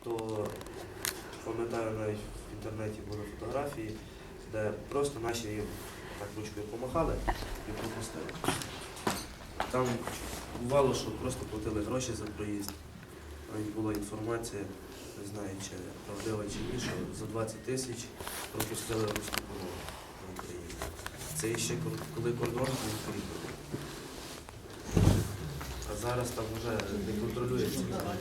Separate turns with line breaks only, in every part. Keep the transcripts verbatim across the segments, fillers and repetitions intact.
то пам'ятаю, навіть в інтернеті були фотографії, де просто наші їм так ручкою помахали і пропустили. Там бувало, що просто платили гроші за проїзд. Навіть була інформація, не знаю, чи правдива чи ні, що за двадцять тисяч пропустили руську мову на Україні. Це ще коли кордон був відкритий. А зараз там вже не контролюється.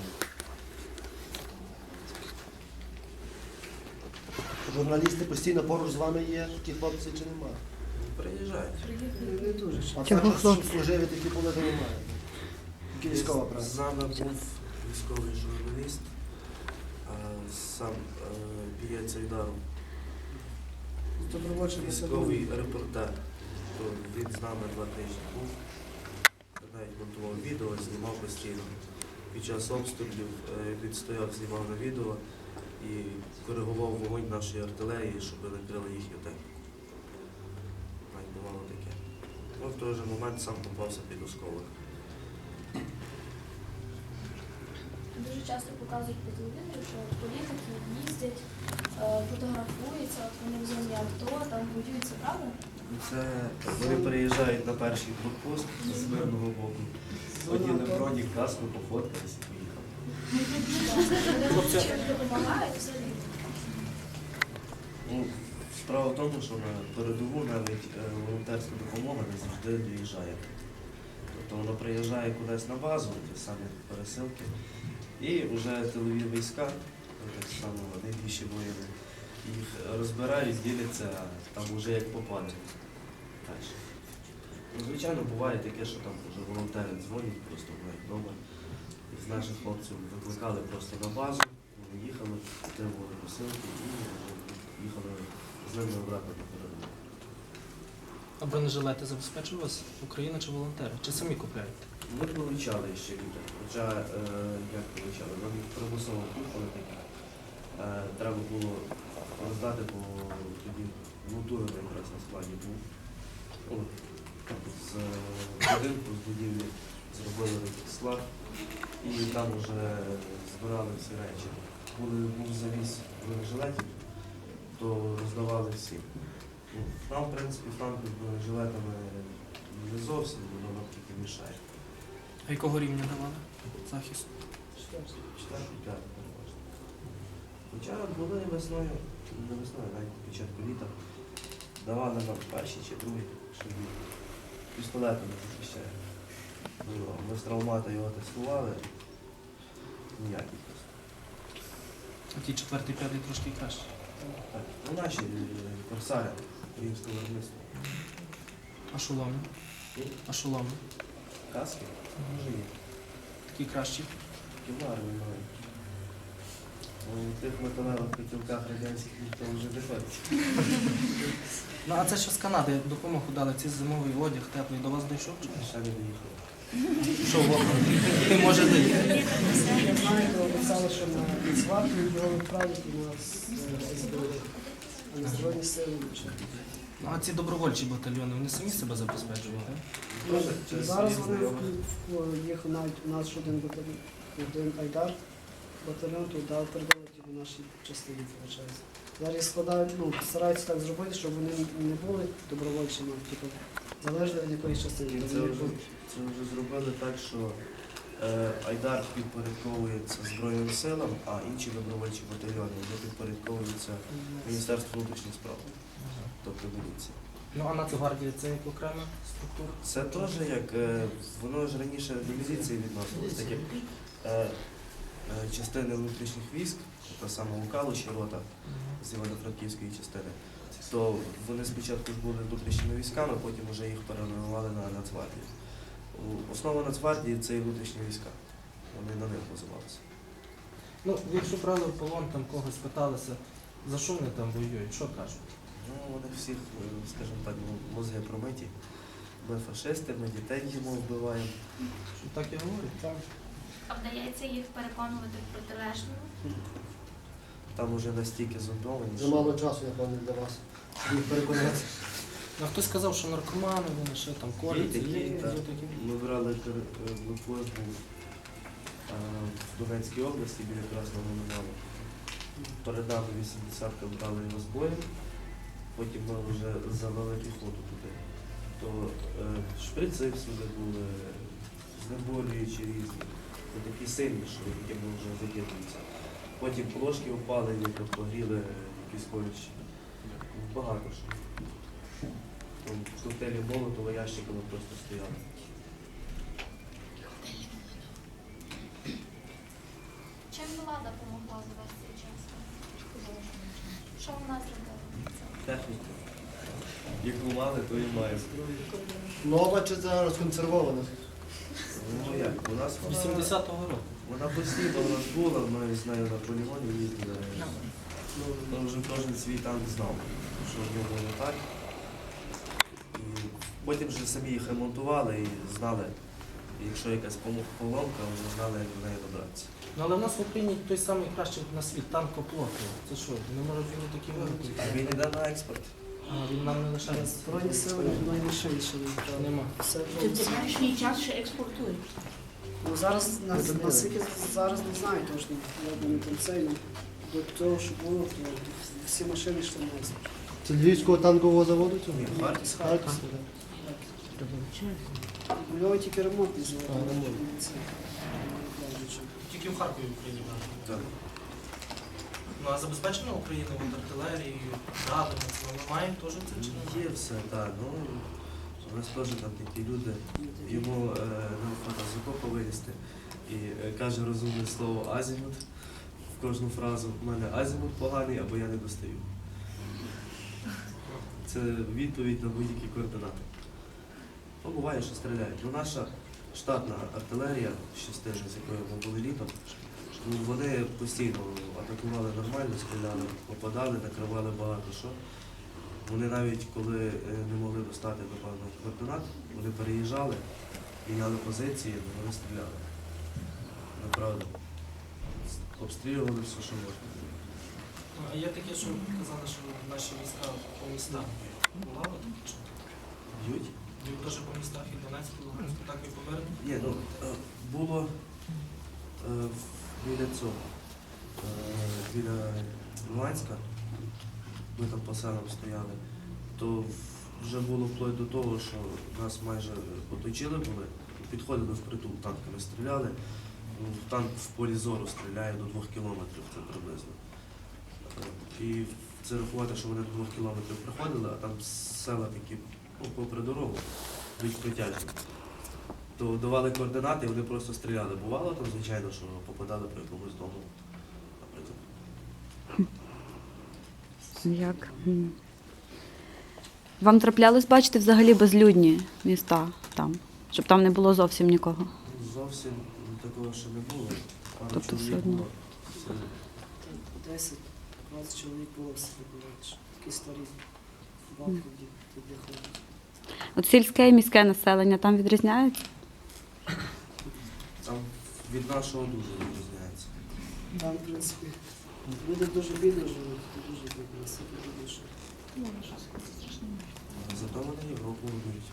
Журналісти постійно поруч з вами є, ті хлопці чи немає?
Приїжджають.
Не дуже. А так, щоб служили, такі були, то немає. Які військова праця?
З нами був військовий журналіст, а сам бієць Айдару. Військовий репортер. То він з нами два тижні був. Навіть монтував відео, знімав постійно. Під час обстрілів він стояв, знімав на відео і коригував вогонь нашої артилерії, щоб накрили їхню техніку. Навіть бувало таке. Ну, в той же момент сам попався під осколок.
Дуже часто показують по телевізору, що політики їздять, фотографуються, от вони в зоні АТО, там воюють, це правда?
Це вони переїжджають на перший блокпост з мирного боку. Оділи броні, каску, пофоткались і поїхали.
Чи допомагають взагалі?
Ну, справа в тому, що на передову навіть волонтерська допомога не завжди доїжджає. Тобто вона приїжджає кудись на базу, ті самі пересилки, і вже тилові війська, так само найбільші воїни, їх розбирають, діляться там вже як попаде. Ну, звичайно, буває таке, що там вже волонтери дзвонять, просто навіть вдома. З наших хлопців викликали просто на базу, вони їхали, отримували посилки і їхали з ними обратно до передову.
А бронежилети забезпечує вас Україна чи волонтери? Чи самі купляєте?
Ми получали ще люди, хоча, е, як получали, нам їх примусово купили такі. Е, треба було роздати, бо тоді Лутурин якраз на складі був. От, з будинку, з будівлі зробили склад і там вже збирали всі речі. Коли був завіз бронежилетів, то роздавали всі. Ну, нам, в принципі, франки з бронежилетами не зовсім, воно тільки мішає.
А якого рівня давали захист?
Четвертий, п'ятий переважно. Хоча були весною, не весною, навіть на початку літа, давали нам перші чи другі, що пістолетами захищає. Ми з травмата його тестували, ніякий просто.
А ті четвертий, п'ятий трошки краще.
Так, ну наші корсари українського виробництва.
А шоломи? А шоломи?
Каски? Може є.
Такі кращі?
Ківлари немає. У тих металевих котілках радянських ніхто вже не ходить.
Ну а це що з Канади допомогу дали, ці зимовий одяг, теплий, до вас дійшов? Чи ні?
Ще не доїхали.
Що в окна? Не може доїхати.
Я знаю, то обіцяли, що на Іцварку його відправити на СБУ, а на Збройні сили.
Ну а ці добровольчі батальйони, вони самі себе забезпечували?
Ну,
Через
Зараз
свої
вони
знайомих.
в- їх навіть у нас ще один батальйон, один Айдар батальйон туди передали в нашій частині, виходить. Зараз їх складають, ну, стараються так зробити, щоб вони не були добровольчими, типу, залежно від якоїсь частини.
І Це вже, це вже зробили так, що е, Айдар підпорядковується Збройним силам, а інші добровольчі батальйони вже підпорядковуються Міністерству внутрішніх справ, тобто міліції.
Ну а Нацгвардія це як окрема структура?
Це теж як, е, воно ж раніше до міліції відносилось, так як е, е, частини внутрішніх військ, та саме у Калуші рота з Івано-Франківської частини, то вони спочатку були внутрішніми військами, потім вже їх перейменували на Нацгвардію. У- Основа Нацгвардії це і внутрішні війська. Вони на них базувалися.
Ну, якщо брали в полон, там когось питалися, за що вони там воюють, що кажуть?
Ну, вони всіх, е, скажімо так, ну, мозги промиті. Ми фашисти, ми дітей їмо вбиваємо.
Що так і говорять?
Так.
А вдається їх переконувати в протилежному?
Там уже настільки зомбовані.
Вже мало часу, я певний, для вас, щоб їх переконати.
А хтось сказав, що наркомани, вони ще там корять.
Є такі,
є,
так.
є такі.
Ми брали блокпост був е, в Донецькій області біля Красного Минулого. перед нами вісімдесятка брали його з бою, потім ми вже завели піхоту туди. То е, шприци всюди були, знеболюючі різні, то такі сильні, що якими вже закидуються. Потім плошки впали, які погріли якісь колючі. Багато що. Там коктейлі Молотова ящиками просто стояли.
Чим влада допомогла за весь цей час? Що вона зробила?
Техніка. Яку мали, то і має.
Нова чи це розконсервована?
Ну як, у нас вона,
вісімдесятого року.
вона постійно у нас була, ми з нею на полігоні їздили. Ну, вже кожен свій танк знав, що в ньому не так. І потім вже самі їх ремонтували і знали, якщо якась пом- поломка, вони знали, як до неї добратися.
Ну але в нас в Україні той самий кращий на світ танкоплот. Це що, не може бути такі великі?
А він йде на експорт.
А він нам не лишає.
Збройні сили наймашин ще не
Нема.
Все
Ти
вже
в теперішній час ще експортуєш.
Ну, зараз на- наскільки зараз не знаю точно, як вони там цей, ну, до того, що було, то всі машини йшли на експорт.
Це Львівського танкового заводу цього?
Ні, Харків.
З Харківського, так. У нього тільки ремонтний завод.
А, ремонт.
Це, не знаю, що.
Тільки в Харкові в Україні
Так.
Ну а забезпечена Україна от артилерією, дронами, ми маємо теж це чи не?
Є все, так. Ну, у нас теж там такі люди. Йому е, неохота з окопа вилізти і е, каже розумне слово азімут в кожну фразу. У мене азімут поганий або я не достаю. Це відповідь на будь-які координати. Ну, буває, що стріляють. Ну, наша штатна артилерія, частина, з якою ми були літом, ну, вони постійно атакували нормально, стріляли, попадали, накривали багато що. Вони навіть коли е, не могли достати до певних координат, вони переїжджали, міняли позиції, вони стріляли. Направду. Обстрілювали все, що можна.
Ну, а є таке, що казали, що наші війська по містах бували таке чи?
Б'ють?
Б'ють теж по містах і Донецьку, і Луганську, так і повернуть.
Ні, ну, е, було е, в- біля цього, е, біля Луганська, ми там по селам стояли, то вже було вплоть до того, що нас майже оточили були, підходили впритул, танками стріляли. Ну, танк в полі зору стріляє до двох кілометрів, це приблизно. Е, І це рахувати, що вони до двох кілометрів приходили, а там села такі, ну, попри дорогу, більш притяжні. То давали координати, і вони просто стріляли. Бувало там, звичайно, що попадали по якомусь дому, наприклад.
Як? М. Вам траплялось бачити взагалі безлюдні міста там, щоб там не було зовсім нікого?
Зовсім такого ще не було. Пару
Тобто
чоловік
все одно.
було. Це
десять-двадцять чоловік було в селі, бувають, такі старі бабки, де ходять.
От сільське і міське населення там відрізняється?
Там від нашого дуже відрізняється.
Там, в принципі, люди дуже бідно живуть, дуже бідно, наскільки бідніше.
Зато вони Європу будують.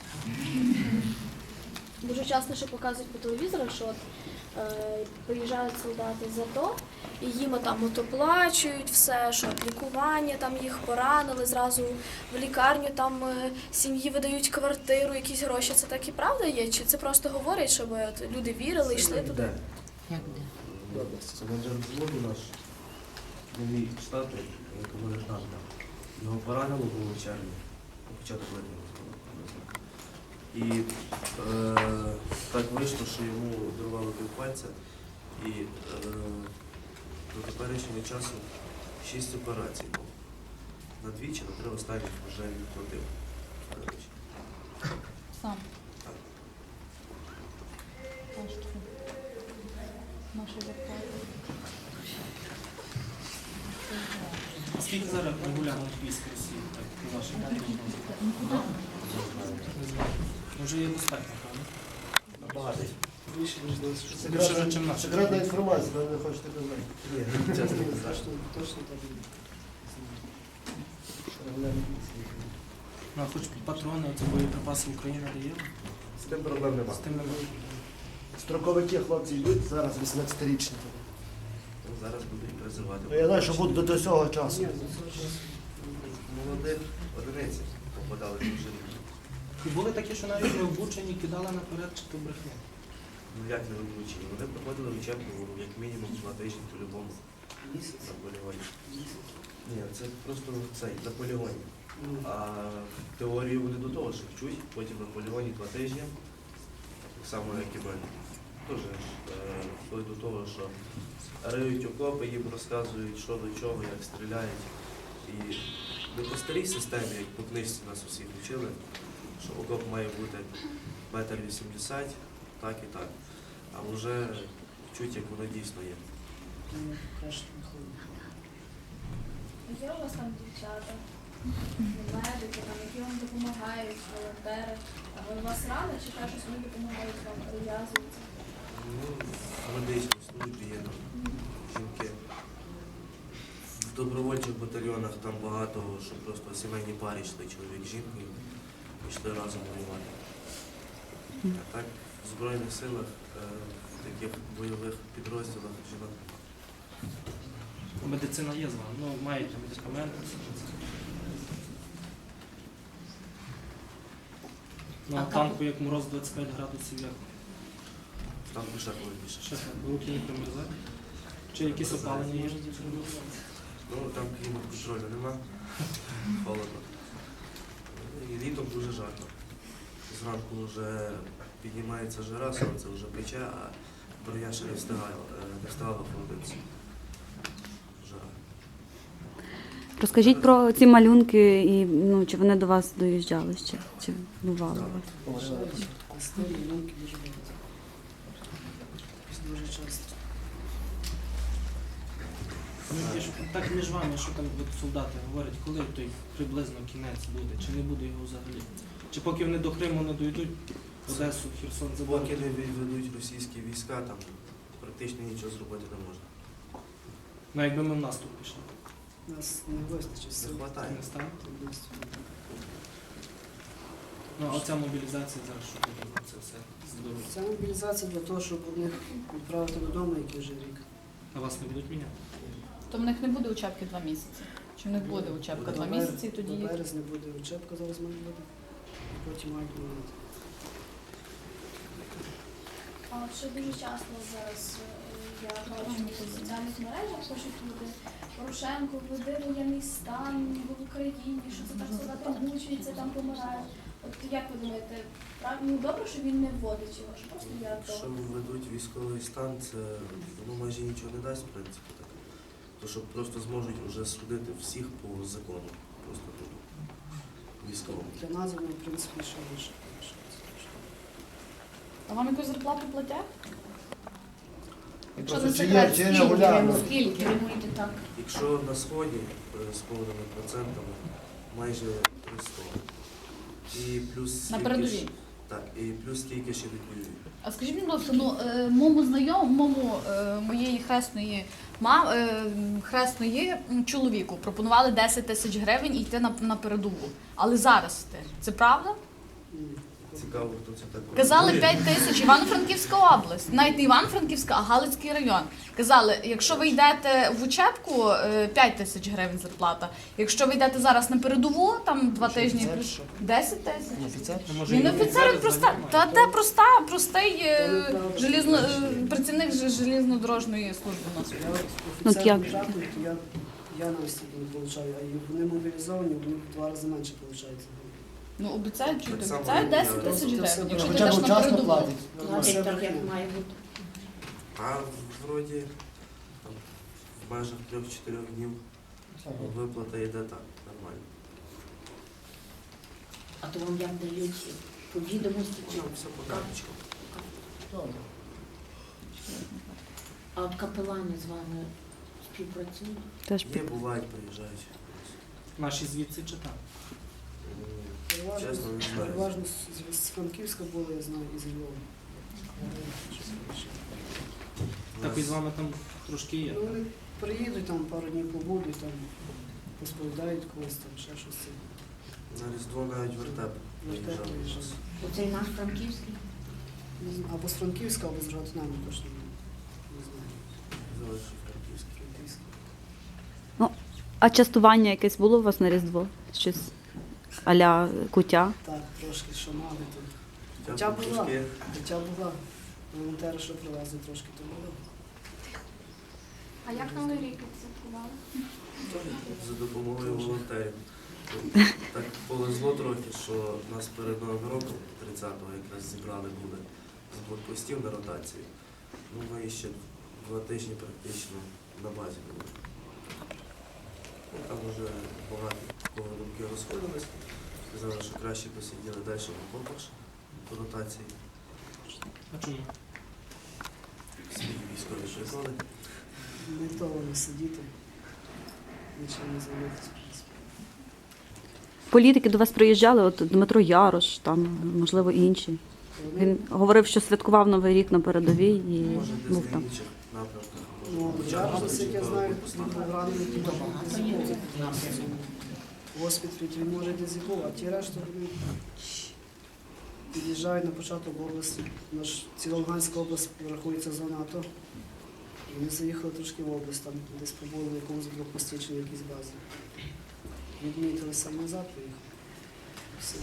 Дуже часто ще показують по телевізору, що от, е, приїжджають солдати з АТО, і їм там от оплачують все, що от лікування, там їх поранили, зразу в лікарню там е, сім'ї видають квартиру, якісь гроші. Це так і правда є? Чи це просто говорять, щоб от, люди вірили, йшли туди?
Де?
Як де?
Це менеджер взводу наш, новий штату, якому не знаю. Його поранило було в червні, на початок липня. І е, так вийшло, що йому дорвало півпальця. І е, до теперішнього часу шість операцій було. На двічі, на три останніх вже відплатив. до речі.
Сам.
Так.
Наша зарплата.
Скільки зараз регулярних військ Росії, так, по вашим прогнозам? Не знаю. Може є достатньо, правда?
Багато.
Більше, ніж десять.
Більше
Секретна,
вже, чим наші.
секретна інформація, ви не хочете казати.
Ні, чесно не знаю.
Точно, точно так і є.
Ну, а хоч патрони, ці боєприпаси Україна дає?
З тим проблем
З
немає.
тим немає.
Строковики хлопці йдуть зараз вісімнадцятирічні.
зараз будуть призивати.
Ну, я знаю, що буде до цього часу.
Ні, ну, це ж-
Молодих одиниць попадали в життя.
І були такі, що навіть не обучені, кидали наперед чи то брехня.
Ну як не вивчені? Вони проходили учебку як мінімум два тижні по-любому
Місяць.
на полігоні. Ні, це просто цей, на полігоні.
Ну,
А теорію вони до того ж вчуть, потім на полігоні два тижні, так само як і мене. Теж е, вплоть до того, що риють окопи, їм розказують, що до чого, як стріляють. І не по старій системі, як по книжці нас усіх вчили, що окоп має бути метр вісімдесят, так і так. А вже вчуть, як воно дійсно є.
ну, краще виходить.
Є у вас там дівчата, медики, там, які вам допомагають, волонтери. А вони у вас рано чи те, що вони допомагають вам прив'язуються?
Ну, в медичній службі є там жінки. В добровольчих батальйонах там багато, що просто сімейні пари йшли, чоловік з жінкою, йшли разом воювати. А так, в Збройних силах, е, в таких бойових підрозділах жінок.
Медицина є з вами, ну маєте медикаменти. Ну, а
А
танку, як мороз двадцять п'ять градусів, як
Там ще холодніше.
ще так, руки не примерзають? Чи якісь опалення є?
Ну, там клімат-контролю нема, холодно. І літом дуже жарко. Зранку вже піднімається жара, сонце вже пече, а броня ще не встигала, е, не встигала холодитися. Жара.
Розкажіть про ці малюнки і ну, чи вони до вас доїжджали ще, чи бували у вас?
Історії, науки дуже багато. Дуже часто.
Ну, ті, що так між вами, що там от солдати говорять, коли той приблизно кінець буде, чи не буде його взагалі? Чи поки вони до Криму не дійдуть, Одесу, Херсон
Поки
заборуть?
не відведуть російські війська, там практично нічого зробити не можна.
Ну якби ми в наступ пішли,
Нас не вистачить
Не
сил.
вистачає.
не стане?
Тобто,
Ну а оця мобілізація зараз, що буде на це все здоров'я?
Ця мобілізація для того, щоб них відправити додому, який вже рік.
А вас не будуть міняти?
То в них не буде учебки два місяці. Чи в них буде учебка
До
два
бер-
місяці, і тоді
До
їх
березня буде учебка, зараз має бути. Потім мають міняти.
А от що дуже часто зараз е, я бачу в соціальних мережах, пишуть люди, Порошенко введе воєнний стан в Україні, що це так солдати мучаються, там помирають. От як ви думаєте, прав- ну, добре, що він не вводить його, що просто я
Якщо
то.
введуть військовий стан, це воно майже нічого не дасть, в принципі. Так. То що просто зможуть вже судити всіх по закону. Просто по військовому.
Для нас воно, в принципі, ще лише.
А вам якусь зарплату платять? Якщо не
Просто чи є,
секрет,
чи є
скільки?
регулярно?
Скільки?
Керуєте так.
Якщо на сході е, з повними процентами майже триста. І плюс
На
стільки
передовій?
ж- Так, і плюс стільки ще відвоюють.
А скажіть, будь ласка, ну е, моєму знайомому е, моєї хресної мам, е, хресної м, чоловіку пропонували десять тисяч гривень і йти на, на передову. Але зараз йти. Це правда?
Ні.
Цікаво, хто це так
Казали
пропонує.
п'ять тисяч, Івано-Франківська область, навіть не Івано-Франківська, а Галицький район. Казали, якщо ви йдете в учебку, е, п'ять тисяч гривень зарплата. Якщо ви йдете зараз на передову, там два
Що,
тижні,
офіцер,
плюс
що?
десять тисяч.
Офіцер?
Ну, може,
Він
і
офіцер,
офіцери
він проста,
звання
та
мають?
де проста, простий е,
Та,
желізно,
та,
е, працівник же- желізнодорожньої служби у нас.
Я от
Ну,
офіцер
як?
державний, то я, я навіть стільки не получаю, а і вони мобілізовані, вони в два рази менше получають.
Ну, обіцяють, чути,
Так само
обіцяють
і
десять
я.
тисяч
Тобто це
гривень. Якщо ти
Хоча
йдеш
б
на
вчасно
передову.
платять.
Платять
так, як має бути.
А вроді там, в межах трьох-чотирьох днів виплата йде так, нормально.
А то вам як дають по відомості чи
Ну, все по карточкам.
а от капелани з вами співпрацюють?
Теж
Є,
під...
бувають, приїжджають.
Наші звідси чи там?
М,
Переважно,
Чесно, не знаю.
переважно з, з Франківська було, я знаю, і з Львова.
Так і з вами там трошки є.
Ну, вони приїдуть, там пару днів побудуть, там розповідають когось, там ще щось.
На Різдво навіть вертеп
Вертеп
приїжджав.
приїжджав.
Оцей наш франківський?
Не знаю, або з Франківська, або з Ротнами, точно не- не знаю.
Залишив Франківський.
А частування якесь було у вас на Різдво? Щось а-ля куття?
Так, трошки що мали тут.
Хоча
Хоча
б
була,
трошки
хоча була. Волонтери, що привезли, трошки то було.
А як новий рік відсвяткували?
за допомогою волонтерів. Так повезло трохи, що нас перед Новим роком, тридцятого, якраз зібрали були з блокпостів на ротації. Ну, ми ще два тижні практично на базі були. Ну, там вже багато кого думки розходились. Сказали, що краще посиділи далі в окопах ще по ротації.
А чому?
Всі військові що знали.
Не то вони сидіти, нічим не займатися. в принципі.
Політики до вас приїжджали, от Дмитро Ярош, там, можливо, інші.
Вони,
Він говорив, що святкував Новий рік на передовій і
Може, десь
був
на
там.
інших напрямках.
ну,
Може,
я
початку
ж, як я
чи
знаю,
до
він був ранений ті дезібув. В госпіталі він може дезібув, а ті решта вони під'їжджають на початок області. Наш ціла Луганська область рахується зона АТО. І вони заїхали трошки в область, там десь побули на якомусь блокпості чи на якійсь базі. Відмітилися і назад поїхали. Все.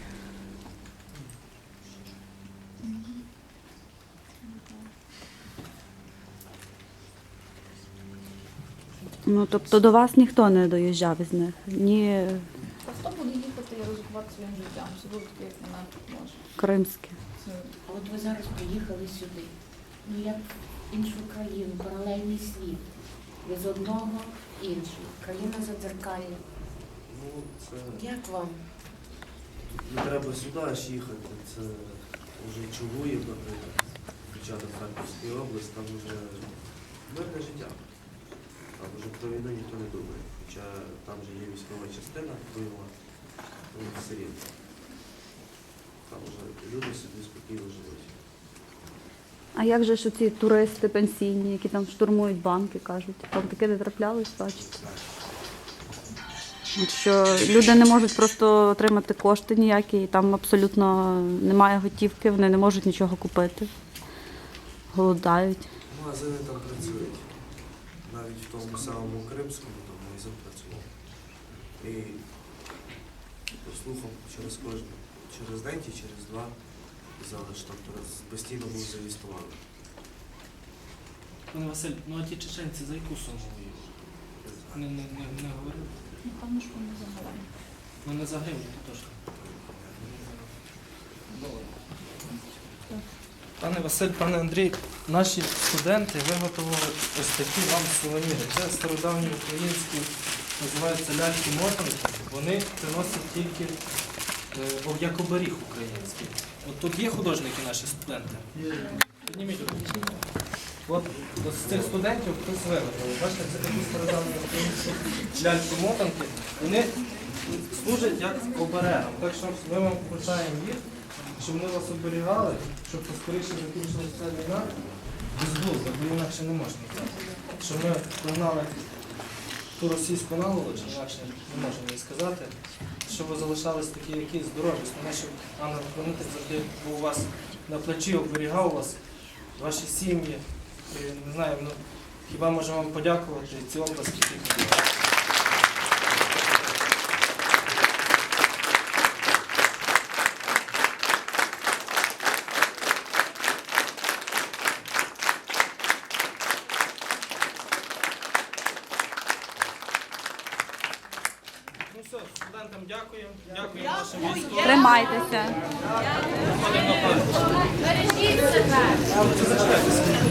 Ну, тобто до вас ніхто не доїжджав із них? Ні
Та хто буде їхати і ризикувати своїм життям? Всі будуть такі, як мене може.
кримські.
Це
А от ви зараз приїхали сюди. Ну як в іншу країну, паралельний світ. Ви з одного в інший. Країна задзеркальна.
Ну, це
Як вам?
не треба сюди аж їхати. Це вже Чугуїв, наприклад, початок Харківської області, там вже мирне життя. Там вже про війну ніхто не думає. Хоча там вже є військова частина бойова, ну все рівно. Там вже люди собі спокійно живуть.
А як же ж ці туристи пенсійні, які там штурмують банки, кажуть? Там таке не траплялось, бачите? От що люди не можуть просто отримати кошти ніякі, і там абсолютно немає готівки, вони не можуть нічого купити. Голодають.
Магазини там працюють. Навіть в тому самому Кримському там магазин працював. І по слухам через кожен, через день чи через два казали, що там раз- постійно був зареєстрований.
Пане Василь, ну а ті чеченці за яку суму воюють? Не, не, не, не говорили?
ну, певно, що вони загалом.
Ну не за гривню, то точно. Пане Василь, пане Андрій, наші студенти виготовили ось такі вам сувеніри. Це стародавні українські, називаються ляльки-мотанки. Вони приносять тільки е, як оберіг український. От тут є художники наші студенти? Підніміть руку. От, от з цих студентів хтось виготовив. Бачите, це такі стародавні українські ляльки-мотанки. Вони служать як оберегом. Так що ми вам вручаємо їх, щоб вони вас оберігали, щоб поскоріше закінчилася ця війна. Безглузда, бо інакше не можна. Щоб ми прогнали ту російську наволоч, інакше не можемо їй сказати, щоб ви залишались такі, які здорові. Основне, щоб ангел-хранитель завжди був у вас на плечі, оберігав вас, ваші сім'ї. І, не знаю, ну, хіба можемо вам подякувати ці області. Ну все, студентам дякуємо. Дякуємо вашим військовим.
Тримайтеся.
Ходимо на пару.
Бережіть себе!
Зачекайте.